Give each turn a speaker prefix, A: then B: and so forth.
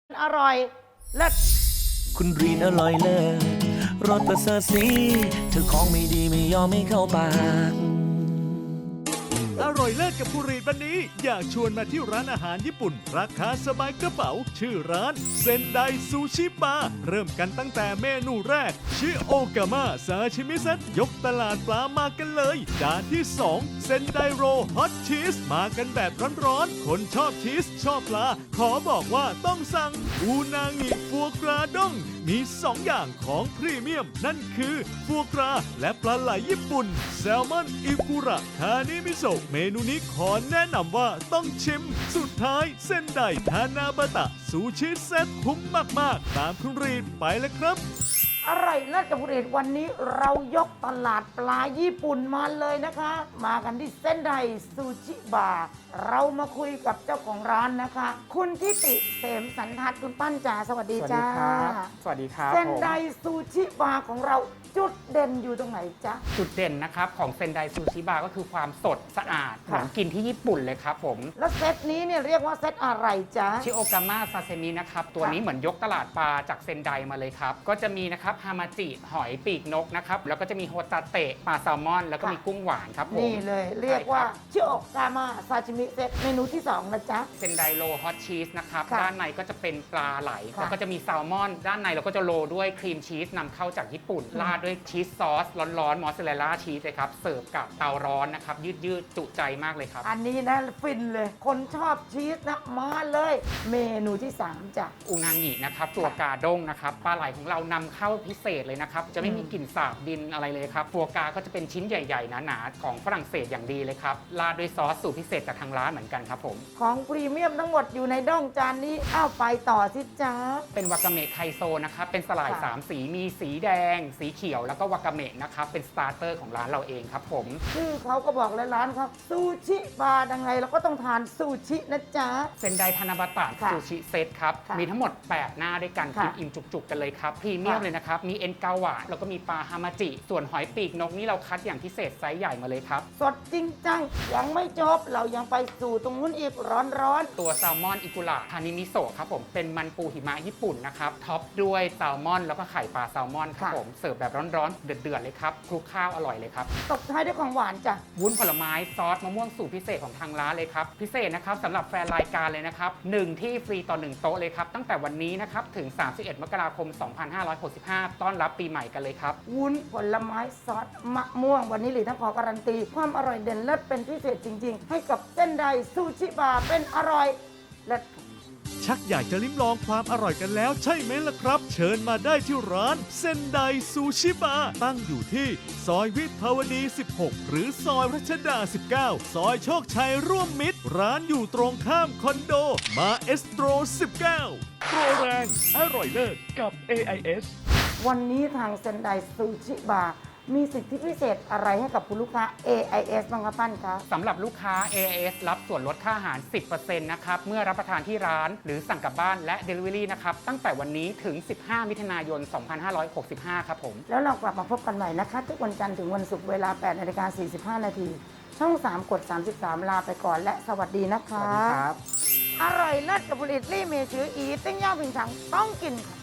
A: อร่อยเลิศ
B: คุณรีนอร่อยเลิศรสประเสริฐสีเธอของไม่ดีไม่ยอมไม่เข้าปาก
C: อร่อยเลิศกับผู้รีดวันนี้อยากชวนมาที่ร้านอาหารญี่ปุ่นราคาสบายกระเป๋าชื่อร้านเซนไดซูชิบาร์เริ่มกันตั้งแต่เมนูแรกชิโอกาม่าซาชิมิเซตยกตลาดปลามากันเลยจานที่2เซนไดโรฮอตชีสมากันแบบร้อนๆคนชอบชีสชอบปลาขอบอกว่าต้องสั่งอูนางิฟัวกราด้งมี2อย่างของพรีเมียมนั่นคือฟัวกราและปลาไหลญี่ปุ่นแซลมอนอิกุระคานิมิโซะเมนูนี้ขอแนะนำว่าต้องชิมสุดท้ายเส้นไดทานาบะตะซูชิเซ็ตคุ้มมากๆตามคุณรีดไปเลยครับ
A: อร่อยเลิศกับผลิตวันนี้เรายกตลาดปลาญี่ปุ่นมาเลยนะคะ มากันที่เส้นไดซูชิบาร์เรามาคุยกับเจ้าของร้านนะคะ คุณทิติเสมสันทัศน์คุณปั้นจ๋าสวัสดีจ้า
D: สวัสดีครับ
A: เส้นไดซูชิบาร์ของเราจุดเด่นอยู่ตรงไหนจ๊ะ
D: จุดเด่นนะครับของเซนไดซูชิบาร์ก็คือความสดสะอาดเห
A: ค่ะ
D: มือนกินที่ญี่ปุ่นเลยครับผม
A: แล้วเซตนี้เนี่ยเรียกว่าเซตอะไรจ๊ะ
D: ชิโอกาม่าซาเซมินะครับตัวนี้เหมือนยกตลาดปลาจากเซนไดมาเลยครับ ก็จะมีนะครับฮามาจิหอยปีกนกนะครับแล้วก็จะมีโฮตาเตะปลาแซลมอน แล้วก็มีกุ้งหวานครับผม
A: นี่เลยเรียกว่า
D: ใช่คบ
A: ชิโอกาม่าซาชิมิเซตเมนูที่2นะจ๊ะ
D: เซนไดโรฮอตชีสนะครับ
A: ค่ะ
D: ด้านในก็จะเป็นปลาไหล
A: ค่ะ
D: แล้วก็จะมีแซลมอน ด้านในเราก็จะโรยด้วยครีมชีสนำเข้าจากญี่ปุ่น ราดด้วยชีสซอสร้อนๆมอสซาเรลล่าชีสเลยครับเสิร์ฟกับเตาร้อนนะครับยืดๆจุใจมากเลยครับ
A: อันนี้นะฟินเลย คนชอบชีสนะมาเลย เมนูที่ 3จ้ะ
D: อูนางินะครับตัวกาด้งนะครับปลาไหลของเรานำเข้าพิเศษเลยนะครับจะไม่มีกลิ่นสาบดินอะไรเลยครับตัวกาก็จะเป็นชิ้นใหญ่ๆหนาๆของฝรั่งเศสอย่างดีเลยครับราดด้วยซอสสูตรพิเศษจากทางร้านเหมือนกันครับผม
A: ของพรีเมียมทั้งหมดอยู่ในด้องจานนี้อ้าวไปต่อสิจ้า
D: เป็นวากาเมะไคโซนะครับเป็นสลาย
A: ค่ะ
D: 3 สีมีสีแดง สีเขียวแล้วก็วากาเมะนะครับเป็นสตาร์เตอร์ของร้านเราเองครับผม
A: ชื่อเขาก็บอกเลยร้านเขาซูชิบาร์ดังไงเราก็ต้องทานซูชินะจ๊ะ
D: เซนไดทานาบะตะ
A: ค่ะ
D: ซูชิเซตครับ
A: ค่ะ
D: มีทั้งหมด 8 หน้าด้วยกัน
A: ค่ะ
D: กินอิ่มจุกๆกันเลยครับพรีเมียม
A: ค่ะ
D: เลยนะครับมีเอ็นเกาหวานแล้วก็มีปลาฮามาจิส่วนหอยปีกนกนี่เราคัดอย่างพิเศษไซส์ใหญ่มาเลยครับ
A: สดจริงจังยังไม่จบเรายังไปสู่ตรงนู้นอีกร้อน
D: ตัวแซลมอนอิกุระคานิมิโซะครับผมเป็นมันปูหิมะญี่ปุ่นนะครับท็อปด้วยแซลมอนแล้วก็ไข่ปลาแซลมอนครับผมเสิร์ฟแบบร้อนๆเดือดๆเลยครับคลุกข้าวอร่อยเลยครับ
A: ๆตบท้ายด้วยของหวานจ้ะ
D: วุ้นผลไม้ซอสมะม่วงสูตรพิเศษของทางร้านเลยครับพิเศษนะครับสำหรับแฟนรายการเลยนะครับ1ที่ฟรีต่อ1โต๊ะเลยครับตั้งแต่วันนี้นะครับถึง 31 มกราคม 2565 ต้อนรับปีใหม่กันเลยครับ
A: วุ้นผลไม้ซอสมะม่วงวันนี้หลีต้องขอการันตี ความอร่อยเด่นเลิศเป็นพิเศษจริง ๆ ให้กับเส้นไดซูชิบาร์เป็นอร่อยเลิศ
C: ชักอยากจะลิ้มลองความอร่อยกันแล้วใช่ไหมล่ะครับ เชิญมาได้ที่ร้านเซนไดซูชิบาร์ตั้งอยู่ที่ซอยวิภาวดี 16 หรือซอยรัชดา 19 ซอยโชคชัยร่วมมิตร ร้านอยู่ตรงข้ามคอนโดมาเอสโตร 19 โปรแรงอร่อยเลิศกับ AIS
A: วันนี้ทางเซนไดซูชิบาร์มีสิทธิพิเศษอะไรให้กับคุณลูกค้า AIS บ้างครับปั้นคะ
D: สำหรับลูกค้า AIS รับส่วนลดค่าอาหาร 10% นะครับ เมื่อรับประทานที่ร้านหรือสั่งกลับบ้านและ Delivery นะครับ ตั้งแต่วันนี้ถึง 15 มิถุนายน 2565 ครับผม
A: แล้วเรากลับมาพบกันใหม่นะคะ ทุกวันจันทร์ถึงวันศุกร์เวลา 8:45 น. ช่อง 3 กด 33 ลาไปก่อนและสวัสดีนะคะ
D: สวัสดีครับ
A: อร่อยเลิศกับผลิตรี่เมชืออีติ้งย่างผิงฉังต้องกินค่ะ